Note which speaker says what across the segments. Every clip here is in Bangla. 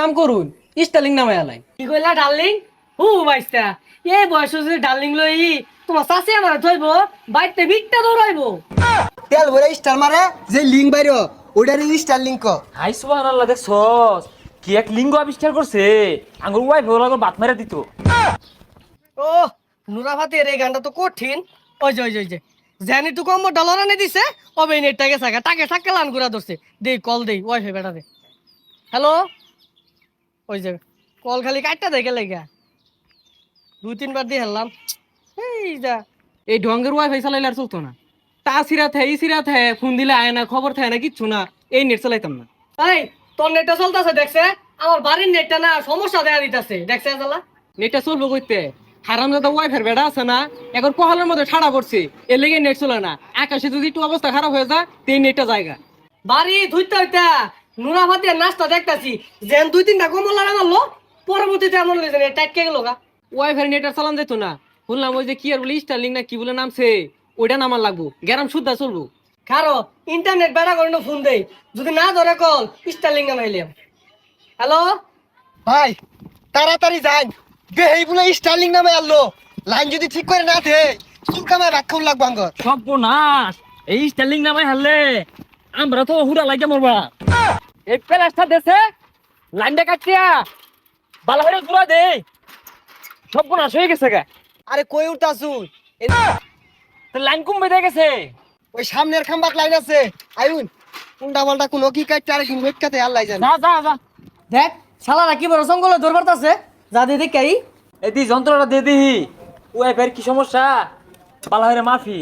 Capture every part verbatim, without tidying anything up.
Speaker 1: কাম করুন স্টাইলিং নামে আলাই।
Speaker 2: কি কইলা ডার্লিং? হু বাইস্তা এই বয়স যদি ডার্লিং লই তোমার চাষি আমার থইব বাইতে ভিটটা দৌড়াইবো।
Speaker 3: তেল ভরে স্টার মারে যে লিঙ্ক বাইরো ওটার স্টার লিঙ্ক।
Speaker 4: হাই সুবহানাল্লাহ, দেখছস কি এক লিঙ্গ আবিষ্কার করছে। আঙ্গুর ওয়াইফ ওরা বাত মেরে দিত।
Speaker 2: ও নুরা ভাতের এই গানটা তো কঠিন। ওই যে ওই যে ওই যে জানি তো কম ডলার এনে দিছে অবে নেটটাকে সাকা টাকে টাকে লান করে ধরছে। দেই কল দেই ওয়াইফাই বেটা দে। হ্যালো, ওই যে কল খালি কাটটা দেখে লেগা দুই তিনবার দিয়ে হেললাম। এই যা
Speaker 1: এই ঢঙ্গের ওয়াইফাই চালাইলে আর চলতো না। তা সিরা থে ই সিরা থে ফোন দিলে আয় না, খবর থাকে না, কিচ্ছু না। এই নেট চালাইতাম না।
Speaker 2: এই তোর নেটটা চলতেছে দেখছে? আমার বাড়ির নেটটা না সমস্যা দেখা দিতেছে দেখছে জ্বালা।
Speaker 1: নেটটা চলবো কইতে হারামজাদা ওয়াইফাই বেড়া আছে না, এখন কহালের মধ্যে ঠাড়া পড়ছে, এর লেগে নেট চলে না। আকাশে যদি একটু অবস্থা খারাপ হয়ে যায় তো এই নেটটা জায়গা
Speaker 2: বাড়ি ধুইতে হইতা নুরা ভাতের নাস্তা দেখতাছি যেন দুই তিনটা কমলা মারলো পরবর্তীতে এমন লেগেছে নেট টাইটকে গেল গা।
Speaker 1: ওয়াইফাই নেট আর চালান যেত না। শুনলাম ওই যে কি আর বলে স্টারলিং না কি বলে নামছে, ওইটা নামার লাগবো। গ্যারাম শুদ্ধা চলবো।
Speaker 2: খারো ইন্টারনেট বেড়া করে ফোন দেই, যদি না ধরে কল স্টারলিং নামাইলাম। হ্যালো
Speaker 3: ভাই তাড়াতাড়ি যাই, বেহেই বলে স্টার লিঙ্ক নামে আনলো। লাইন যদি ঠিক করে না দে চুলকামায় রাখাউন লাগবো আঙ্গর।
Speaker 4: সর্বনাশ, এই স্টাইলিং নামাই হারলে আমরা তো হুড়া লাগে মরবা। এই প্লাসটা দেশে লাইনটা কাটিয়া বালা হয়ে দূরা দে। সর্বনাশ হয়ে গেছে গা।
Speaker 3: আরে কই উঠতাছুন?
Speaker 4: তো লাইন কম বেঁধে গেছে।
Speaker 3: ওই সামনের খাম্বাক লাইন আছে, আইউন উল্টা পাল্টা কোনো কি কাটতে আরে কিন্তু ওইটাতে আল্লাহ জানে।
Speaker 4: যা যা যা,
Speaker 2: দেখ শালারা কি বড় জঙ্গলে দৌড় পারতাছে। যা দিয়ে দেখ কাই
Speaker 4: এদি যন্ত্রটা দিয়ে দিহি। ওয়াইফাইয়ের কি সমস্যা, বালা হয়ে মাফি।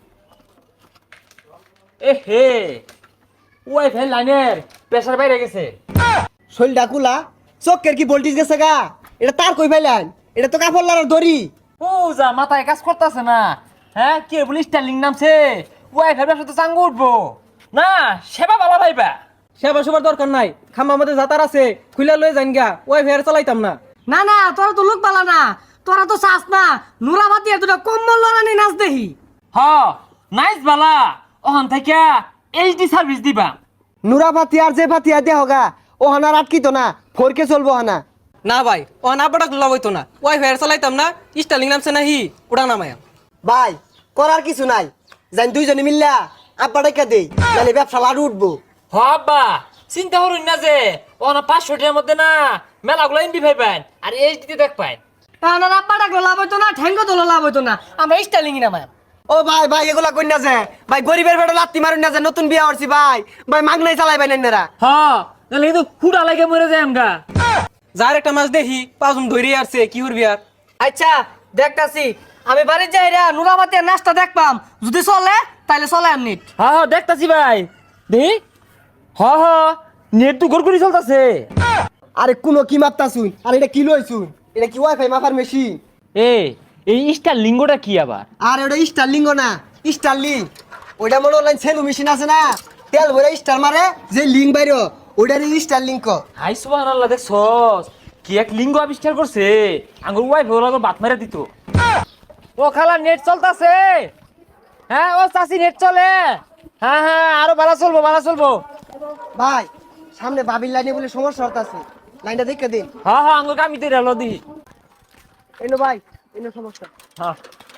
Speaker 4: এ হে, ওয়াইফাই লাইনের প্রেসার বাইরে গেছে।
Speaker 3: শৈল ডাকুলা চোখের কি ভোল্টেজ গেছে গা? এটা তার কই পাইলেন? এটা তো কাপড় লাগার দড়ি।
Speaker 4: ও যা মাথায় কাজ করতেছে না। হ্যাঁ কি বলি স্টাইলিং নামছে, ওয়াইফাই ব্যবসা তো চাঙ্গু উঠবো না। সেবা বালা ভাইবা,
Speaker 1: সেবা সবার দরকার নাই। খাম্বা আমাদের যাতার আছে, খুলে লয়ে যান গা। ওয়াইফাই আর চালাইতাম না।
Speaker 2: না না তোরা তো লোক পালা না, তোরা তো চাস না নুরা ভাতি দুটা কম্বল লড়ানি নাচ দেখি।
Speaker 4: হ নাইস বালা। ওখান থেকে এইচডি সার্ভিস দিবা।
Speaker 3: নুরা ফাতি আর যে ফাতি আর দেহ গা ও হানার আটকি তো না, ফোরকে চলবো হানা।
Speaker 1: না ভাই, ও না বড় লাভ হইতো না। ওয়াইফাই আর চালাইতাম না। স্টাইলিং নামছে না হি, ওটা নামায়া।
Speaker 3: ভাই করার কিছু নাই, জান দুইজনে মিল্লা আব্বা ডাইকা দেই, নালে ব্যবসা লাড়ু উঠবো।
Speaker 4: হ আব্বা চিন্তা করুন না যে ওনা পাঁচশো টাকার মধ্যে না মেলাগুলো এমবি পাইবেন আর এইচডি দেখ পাইন।
Speaker 2: তাহলে আব্বা ডাকলো লাভ হইতো না, ঠ্যাঙ্গো তোলো লাভ হইতো না। আমরা স্টাইলিং নামাই।
Speaker 3: ও ভাই ভাই এগুলা কই না যে ভাই গরিবের বেটা লাত্তি মারুন না যে, নতুন বিয়া হরছি ভাই ভাই মাগনাই চালাই ভাই নাইনারা।
Speaker 4: হ্যাঁ তাহলে কিন্তু খুঁড়া লাগে মরে যায় আমগা।
Speaker 1: যার একটা মাছ দেখি পাঁচজন ধরে আসছে, কি করবি আর।
Speaker 2: আচ্ছা দেখতাছি, আমি বাড়ির যাই রে নুরা ভাতি নাচটা দেখপাম, যদি চলে তাহলে চলে এমনি।
Speaker 4: হ্যাঁ হ্যাঁ দেখতাছি ভাই দেহি। হ হ নেট তো গড়গড়ি চলতেছে।
Speaker 3: আরে কোনো কি মাপতা শুন, আর এটা কি লইছুন? এটা কি ওয়াইফাই মাপার মেশিন?
Speaker 4: এ এই স্টার লিঙ্গটা কি আবার?
Speaker 3: আর ওটা স্টারলিং না, স্টারলিং ওইটা মনে অনলাইন সেলু মেশিন আছে না, তেল ভরে স্টার মারে যে লিঙ্ক বাইরো ওইটার স্টারলিং ক।
Speaker 4: হাই সুবহানাল্লাহ, দেখছস কি এক লিঙ্গ আবিষ্কার করছে। আঙ্গুর ওয়াইফ ওরা বাত মেরে দিত। ও খালা নেট চলতেছে। হ্যাঁ ও চাচি নেট চলে। হ্যাঁ হ্যাঁ আরো ভালো চলবো ভালো চলবো।
Speaker 3: ভাই সামনে বাবির লাইনে বলে সমস্যা হতাছে, লাইনটা দেখে দিন।
Speaker 4: হ্যাঁ হ্যাঁ আঙ্গুর কামি তৈরি হলো দি।
Speaker 3: এনো ভাই এনো সমস্যা,
Speaker 4: হ্যাঁ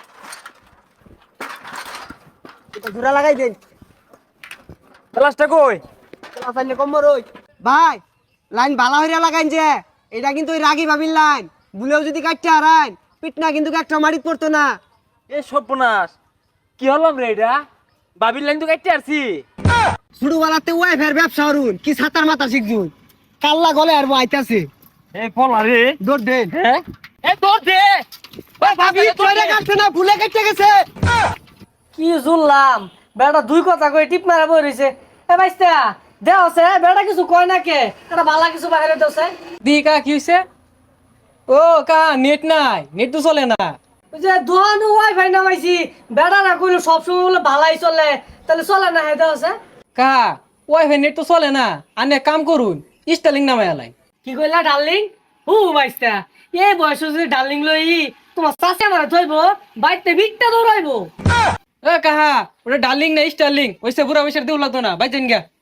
Speaker 3: এটা জোড়া লাগাই দেন।
Speaker 4: প্লাসটা কই?
Speaker 3: লাইনে কম রই ভাই, লাইন ভালো হইরা লাগাইন যে, এটা কিন্তু ওই রাগি বাবির লাইন, বুলেও যদি কাটতে হারাইন পিটনা কিন্তু একটা মারিত পড়তো না।
Speaker 4: এ সর্বনাশ, কি হলাম রে এটা? বাবির লাইন তো কাটতে আসছি।
Speaker 3: শুরু বেলাতে ওয়াইফাইয়ের ব্যবসা হরুন কি ছাতার মাথা শিখছুন, কাল্লা গলে আর আইতাছে।
Speaker 4: এ পলা রে।
Speaker 3: দৌড় দেন।
Speaker 4: হ্যাঁ এ দৌড় দে।
Speaker 3: ওই ভাবি চলে কাটছে না, ভুলে কেটে গেছে।
Speaker 2: কি জুললাম বেটা দুই কথা কই টিপ মারা বই রইছে। এ ভাইস্তা দেও আছে বেটা কিছু কয় না কে, এটা বালা কিছু বাইরে দেছে।
Speaker 1: দি কা কি হইছে? ও কা নেট নাই, নেট তো চলে না।
Speaker 2: ওই যে দোহানো ওয়াইফাই নামাইছি, বেটা না কইলো সব সময় বলে ভালাই চলে, তাহলে চলে না হেদা আছে।
Speaker 1: কা ওয়াইফাই নেট তো চলে না। আনে কাম করুন স্টাইলিং নামে আলাই।
Speaker 2: কি কইলা ডার্লিং? হু ভাইস্তা এই বয়স যদি ডার্লিং লই তোমার চাষি আমার থইব বাইতে ভিটটা দৌড়াইবো।
Speaker 1: এ কাহা ওটা ডার্লিং না স্টাইলিং, ওইসে বুড়া বয়সের দেউ লাগতো না। ভাই জান গা।